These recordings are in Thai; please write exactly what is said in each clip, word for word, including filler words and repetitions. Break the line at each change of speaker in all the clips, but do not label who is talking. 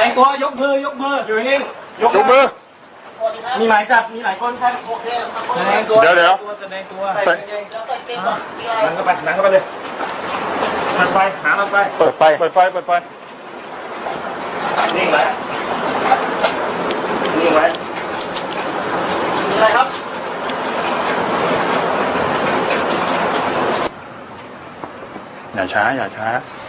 งตัวยกมือยกมืออยู่นิ่ง
ยกมือ
มีหมายจับมีหลายคนครับแสดงตัว
เดี๋ยวเดี๋ยว
แสดงตัวใส่นั่งเข้าไปนั่งเข้าไปเลยเปิดไฟหาเราไป
เปิดไฟเปิดไฟเปิดไฟ
นิ่งไว้นิ่งไว้มีอะไรครับ
อย่าช้าอย่าช้า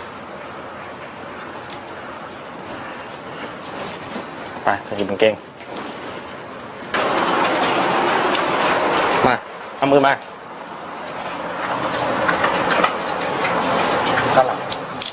ไปใส่กางเกงมาเอามือมาด้านหลัง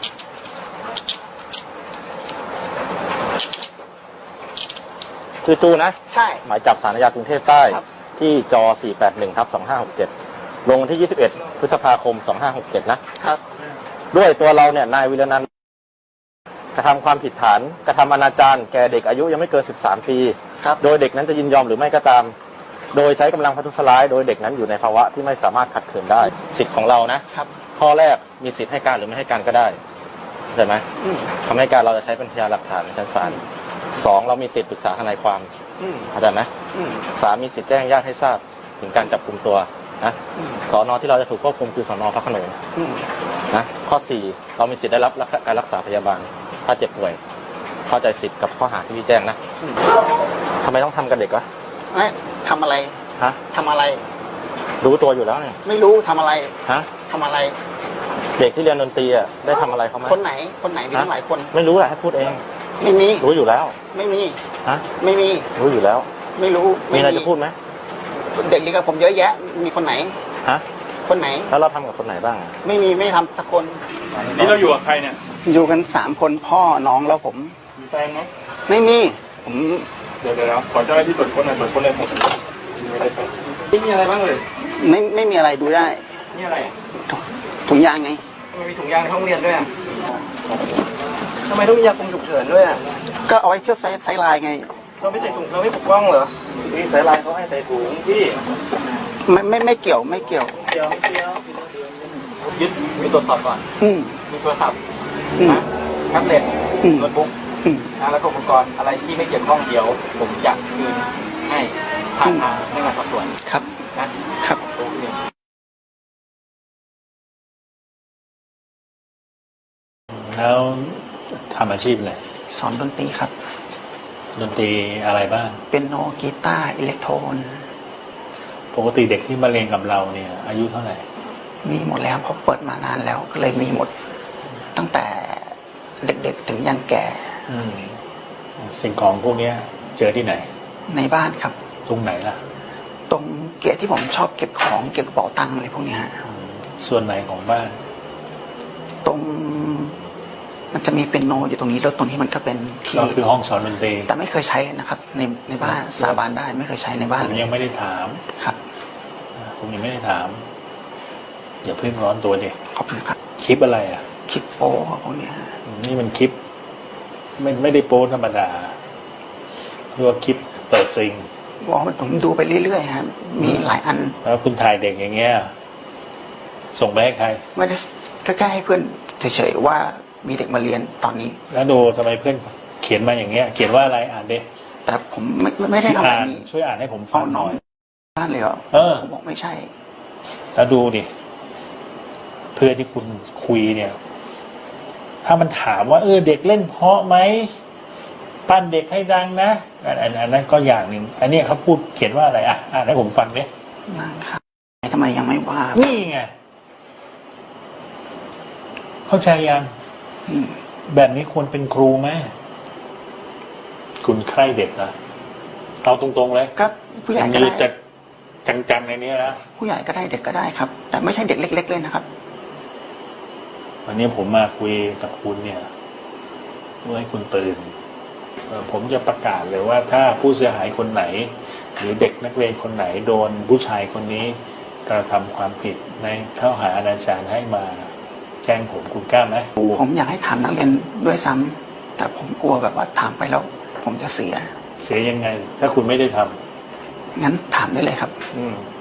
ชื่อตู้นะ
ใช่
หมายจับศาลอาญากรุงเทพใต้ที่จอ สี่แปดหนึ่ง ทับ สองห้าหกเจ็ด ลงวันที่ ยี่สิบเอ็ด พฤษภาคม สองห้าหกเจ็ด นะครับด้วยตัวเราเนี่ยนายวิรนันท์กระทำความผิดฐานกระทำอนาจารแก่เด็กอายุยังไม่เกินสิบสามปีโดยเด็กนั้นจะยินยอมหรือไม่ก็ตามโดยใช้กำลังพัทุษร้ายโดยเด็กนั้นอยู่ในภาวะที่ไม่สามารถขัดขืนได้สิทธิ์ของเรานะครับข้อแรกมีสิทธิ์ให้การหรือไม่ให้การก็ได้ใช่ไหมคำให้การเราจะใช้เป็นพยานหลักฐานในชั้นศาลสองเรามีสิทธิ์ปรึกษาทนายความเข้าใจไหมสามมีสิทธิ์แจ้งญาติให้ทราบถึงการจับกุมตัวนะสอนอที่เราจะถูกควบคุมคือสอนอพระโขนงนะข้อสี่เรามีสิทธิ์ได้รับการรักษาพยาบาลถ้าเจ็บป่วยเข้าใจสิทธิ์กับข้อหาที่พี่แจ้งนะทำไมต้องทำกับเด็กวะ
ไม่ทำอะไร
ฮะ
ทำอะไร
รู้ตัวอยู่แล้วเนี่ย
ไม่รู้ทำอะไร
ฮะ
ทำอะไร
เด็กที่เรียนดนตรีอ่ะได้ทำอะไรเขาไหม
คนไหนคนไหนมีทั้งหลายคน
ไม่รู้แหละให้พูดเอง
ไม่มี
รู้อยู่แล้ว
ไม่มี
ฮะ
ไม่มี
รู้อยู่แล้ว
ไม่รู้
มีอะไรจะพูดไหม
เด็กเรียนกับผมเยอะแยะมีคนไหน
ฮะ
คนไหน
แล้วเราทำกับคนไหนบ้าง
ไม่มีไม่ทำสักคน
นี่เราอยู่กับใครเนี่ย
อยู่กันสามคนพ่อน้องแล้วผม
มีแฟนไหม
ไม่มีผม
เดี๋ยวเดี๋ยวขอเจ้าหน้าที่ตรวจค้นหน่อยตรวจค้นเลยหมดไม่มีอะไรบ้างเลย
ไม่ไม่มีอะไรดูได้
นี่อะไร
ถุงยางไง
ทำไมมีถุงยางในห้องเรียนด้วยอ่ะทำไมต้องมียาคุมฉุกเฉินด้วยอ่ะ
ก็เอาไว้เที่ยวไซไซลายไง
เราไม่ใส่ถุงเราไม่ปกป้องเหรอนี่ไซลายเขาให้ใส่ถุงพี่
ไม่ไม่ไม่เกี่ยวไม่เกี่ยว
เกี่ยวเกี่ยวยึดมีตรวจสอบก่อน
อืม
มีโทรศัพท์นะแท็บเล็ตโน้ตบุ๊กนะแล้วก็อุปกรณ์อะไรที่ไม่เกี่ยวข้องเดี๋ยวผมจะคืนให้ทางทางพนักงานสอบสวน
ครับ
นะครับโอเค
แล้วทำอาชีพอะไร
สอนดนตรีครับ
ดนตรีอะไรบ้าง
เป็นโนกีตาร์อิเล็กโทรน
ปกติเด็กที่มาเรียนกับเราเนี่ยอายุเท่าไหร่
มีหมดแล้วเพราะเปิดมานานแล้วก็เลยมีหมดตั้งแต่เด็กๆถึงยันแก่
สิ่งของพวกนี้เจอที่ไหน
ในบ้านครับ
ตรงไหนล่ะ
ตรงเกียร์ที่ผมชอบเก็บของเก็บกระเป๋าตังค์อะไรพวกนี้ฮะ
ส่วนไหนของบ้าน
ตรงมันจะมีเป็นโนอยู่ตรงนี้แล้วตรงนี้มันก็เป็นที่
ก็คือห้องสอนดนตรี
แต่ไม่เคยใช้นะครับในในบ้านสาบานได้ไม่เคยใช้ในบ้าน
ผมยังไม่ได้ถาม
ครับ
ผมยังไม่ได้ถามอย่าเพิ่งร้อนตัวดิ
ขอบคุณครับ
คลิปอะไรอ่ะ
คลิปโป้พวกนี้
นี่มันคลิปไม่ไม่ได้โป้ธรรมดาเรียกว่าคลิปเปิดซิง
บอกมันผมดูไปเรื่อยๆครับมีหลายอัน
แล้วคุณถ่ายเด็กอย่างเงี้ยส่งไปให้ใคร
ไม่ได้แค่ให้เพื่อนเฉยๆว่ามีเด็กมาเรียนตอนนี้
แล้วดูทำไมเพื่อนเขียนมาอย่างเงี้ยเขียนว่าอะไรอ่านดิ
แต่ผมไม่ไม่ได้ทำแบบนี้
ช่วยอ่านให้ผมฟังหน่อย
บ้านเลยเหรอ
เออ
ผมบอกไม่ใช่
แล้วดูดิเพื่อนที่คุณคุยเนี่ยถ้ามันถามว่าเออเด็กเล่นเพราะไหมปั้นเด็กให้ดังนะอันอันนั้นก็อย่างหนึ่งอันนี้เขาพูดเขียนว่าอะไรอ่ะอ่านให้ผมฟังดิ
นั่งครับทำไมยังไม่ว่า
นี่ไงเข้าใจยังแบบนี้ควรเป็นครูไหมคุณใคร่เด็กนะเอาตรงๆเลย
ก็ผู้ใหญ่ก็ได้
จะจังๆในนี้นะ
ผู้ใหญ่ก็ได้เด็กก็ได้ครับแต่ไม่ใช่เด็กเล็กๆเลยนะครับ
วันนี้ผมมาคุยกับคุณเนี่ยเพื่อให้คุณตื่นผมจะประกาศเลยว่าถ้าผู้เสียหายคนไหนหรือเด็กนักเรียนคนไหนโดนผู้ชายคนนี้กระทำความผิดในข้อหาอนาจารให้มาแจ้งผมคุณกล้าไหม
ผมอยากให้ถามนักเรียนด้วยซ้ำแต่ผมกลัวแบบว่าถามไปแล้วผมจะเสีย
เสียยังไงถ้าคุณไม่ได้ทำ
งั้นถามได้เลยครับ
อืม